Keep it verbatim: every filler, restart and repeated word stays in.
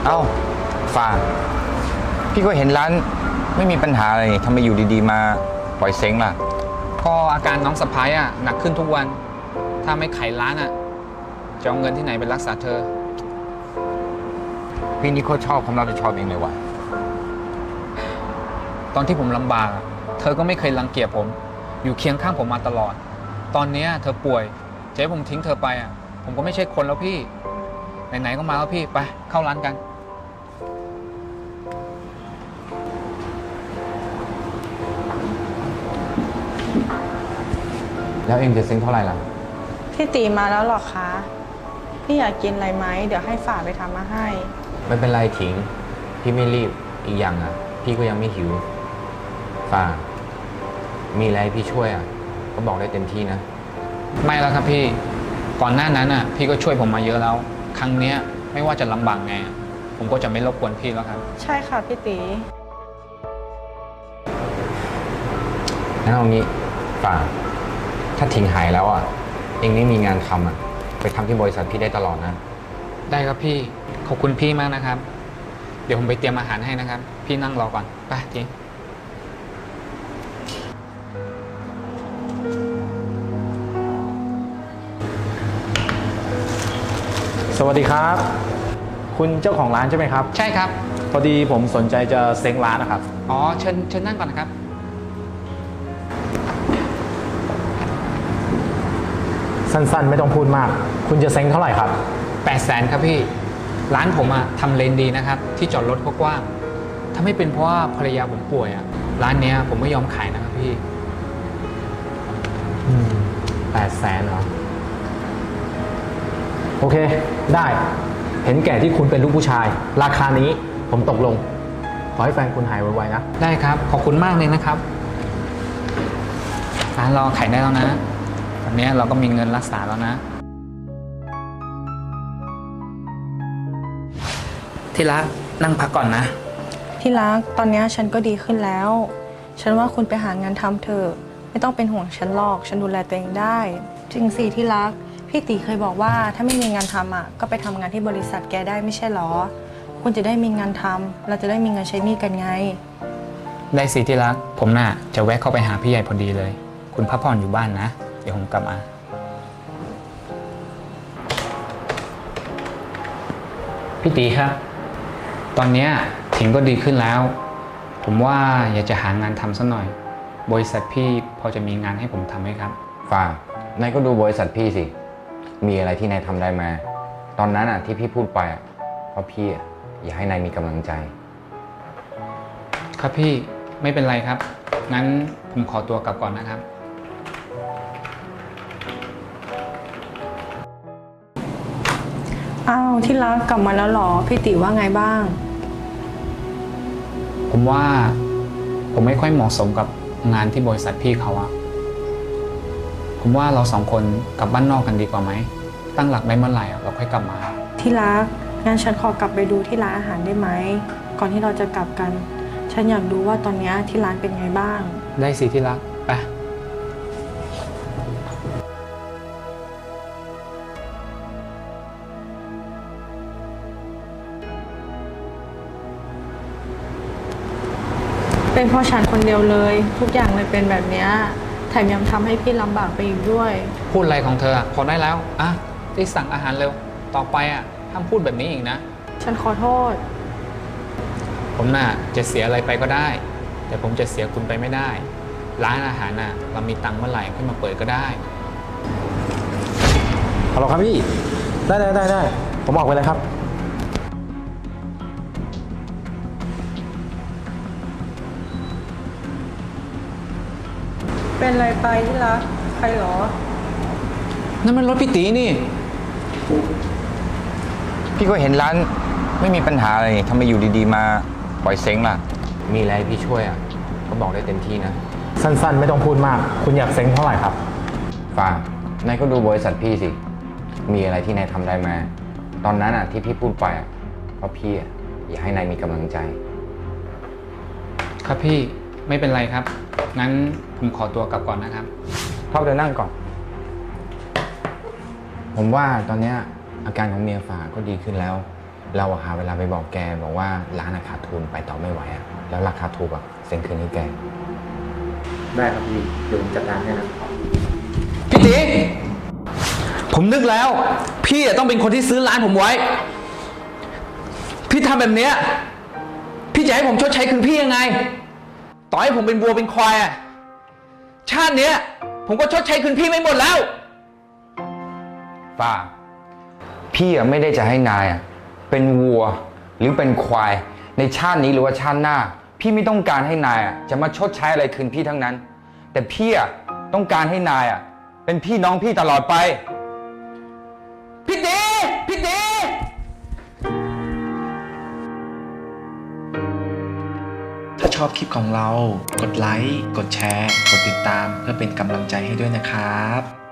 เอ้าฟ้าพี่ก็เห็นร้านไม่มีปัญหาอะไรนี่ทำไมอยู่ดีๆมาปล่อยเซ็งล่ะก็อาการน้องสะพ้ายอ่ะหนักขึ้นทุกวัน ถ้าไม่ไขร้านอ่ะจะเอาเงินที่ไหนไปรักษาเธอพี่นี่เขาชอบความรับผิดชอบเองเลยว่ะตอนที่ผมลำบากเธอก็ไม่เคยรังเกียจผมอยู่เคียงข้างผมมาตลอดตอนนี้เธอป่วยจะให้ผมทิ้งเธอไปอ่ะผมก็ไม่ใช่คนแล้วพี่ไหนๆก็มาแล้วพี่ไปเข้าร้านกันแล้วเองจะเซ็งเท่าไหร่ล่ะพี่ตีมาแล้วหรอคะพี่อยากกินอะไรไหมเดี๋ยวให้ฝากไปทำมาให้ไม่เป็นไรถิงพี่ไม่รีบอีกอย่างอ่ะพี่ก็ยังไม่หิวฟ้ามีอะไรพี่ช่วยอ่ะก็บอกได้เต็มที่นะไม่แล้วครับพี่ก่อนหน้านั้นอ่ะพี่ก็ช่วยผมมาเยอะแล้วครั้งเนี้ยไม่ว่าจะลำบากไงผมก็จะไม่รบกวนพี่แล้วครับใช่ค่ะพี่ตีงั้นเอางี้ฟ้าถ้าถิงหายแล้วอ่ะเองไม่มีงานทำอ่ะไปทำที่บริษัทพี่ได้ตลอดนะได้ครับพี่ขอบคุณพี่มากนะครับเดี๋ยวผมไปเตรียมอาหารให้นะครับพี่นั่งรอก่อนไปทีสวัสดีครับคุณเจ้าของร้านใช่ไหมครับใช่ครับพอดีผมสนใจจะเซ้งร้านนะครับอ๋อเชิญเชิญนั่งก่อนนะครับสั้นๆไม่ต้องพูดมากคุณจะเซ้งเท่าไหร่ครับแปดแสนครับพี่ร้านผมอะทำเลนดีนะครับที่จอดรถกว้างถ้าไม่เป็นเพราะว่าภรรยาผมป่วยอะร้านเนี้ยผมไม่ยอมขายนะครับพี่แปดแสนเหรอโอเคได้เห็นแก่ที่คุณเป็นลูกผู้ชายราคานี้ผมตกลงขอให้แฟนคุณหายไวๆนะได้ครับขอบคุณมากเลยนะครับร้านเราขายได้แล้วนะตอนนี้เราก็มีเงินรักษาแล้วนะที่รักนั่งพักก่อนนะที่รักตอนนี้ฉันก็ดีขึ้นแล้วฉันว่าคุณไปหางานทำเถอะไม่ต้องเป็นห่วงฉันหรอกฉันดูแลตัวเองได้จริงสิที่รักพี่ตีเคยบอกว่าถ้าไม่มีงานทำอ่ะก็ไปทำงานที่บริษัทแกได้ไม่ใช่หรอคุณจะได้มีงานทำเราจะได้มีเงินใช้หนี้กันไงได้สิที่รักผมน่ะจะแวะเข้าไปหาพี่ใหญ่พอดีเลยคุณพักผ่อนอยู่บ้านนะเดี๋ยวผมกลับมาพี่ตีครับตอนนี้ถิงก็ดีขึ้นแล้วผมว่าอยากจะหางานทำสักหน่อยบริษัทพี่พอจะมีงานให้ผมทำไหมครับฟ้านายก็ดูบริษัทพี่สิมีอะไรที่นายทำได้มาตอนนั้นอ่ะที่พี่พูดไปอ่ะเพราะพี่อยากให้นายมีกำลังใจครับพี่ไม่เป็นไรครับงั้นผมขอตัวกลับก่อนนะครับอ้าวที่รักกลับมาแล้วหรอพี่ติว่าไงบ้างผมว่าผมไม่ค่อยเหมาะสมกับงานที่บริษัทพี่เขาอะผมว่าเราสองคนกลับบ้านนอกกันดีกว่าไหมตั้งหลักได้เมื่อไหร่เราค่อยกลับมาที่รักงั้นฉันขอกลับไปดูที่ร้านอาหารได้ไหมก่อนที่เราจะกลับกันฉันอยากดูว่าตอนนี้ที่ร้านเป็นไงบ้างได้สิที่รักไปเป็นเพราะฉันคนเดียวเลยทุกอย่างเลยเป็นแบบนี้แถมยังทำให้พี่ลำบากไปอีกด้วยพูดอะไรของเธอพอได้แล้วอ่ะที่สั่งอาหารเร็วต่อไปอ่ะห้ามพูดแบบนี้อีกนะฉันขอโทษผมน่ะจะเสียอะไรไปก็ได้แต่ผมจะเสียคุณไปไม่ได้ร้านอาหารน่ะเรามีตังค์เมื่อไหร่ค่อยมาเปิดก็ได้ฮัลโหลครับพี่ได้ได้ได้ได้ผมบอกไปเลยครับเป็นอะไรไปที่รักใครหรอนั่นมันรถพี่ตีนี่พี่ก็เห็นร้านไม่มีปัญหาอะไรทำไมอยู่ดีๆมาปล่อยเซ็งล่ะมีอะไรพี่ช่วยอ่ะก็บอกได้เต็มที่นะสั้นๆไม่ต้องพูดมากคุณอยากเซ็งเท่าไหร่ครับฟ้านายก็ดูบริษัทพี่สิมีอะไรที่นายทำได้มาตอนนั้นอ่ะที่พี่พูดไปอ่ะเพราะพี่อยากให้นายมีกำลังใจครับพี่ไม่เป็นไรครับงั้นผมขอตัวกลับก่อนนะครับพ่อเดินนั่งก่อนผมว่าตอนนี้อาการของเมียฝ่าก็ดีขึ้นแล้วเราอะหาเวลาไปบอกแกบอกว่าร้านอะขาดทุนไปต่อไม่ไหวอะแล้วราคาถูกอะเซ็นคืนให้แกได้ครับพี่ เดี๋ยวผมจัดการให้นะพี่ตีผมนึกแล้ว พี่อะต้องเป็นคนที่ซื้อร้านผมไว้ พี่ทำแบบเนี้ยพี่จะให้ผมชดใช้คืนพี่ยังไง ต่อให้ผมเป็นวัวเป็นควายอะชาติเนี้ย ผมก็ชดใช้คืนพี่ไม่หมดแล้วป้า พี่อะไม่ได้จะให้นายอะเป็นวัวหรือเป็นควายในชาตินี้หรือว่าชาติหน้า พี่ไม่ต้องการให้นายอะจะมาชดใช้อะไรคืนพี่ทั้งนั้น แต่พี่อะต้องการให้นายอะเป็นพี่น้องพี่ตลอดไปพี่ตีพี่ตีถ้าชอบคลิปของเรา กดไลค์ กดแชร์ กดติดตามเพื่อเป็นกำลังใจให้ด้วยนะครับ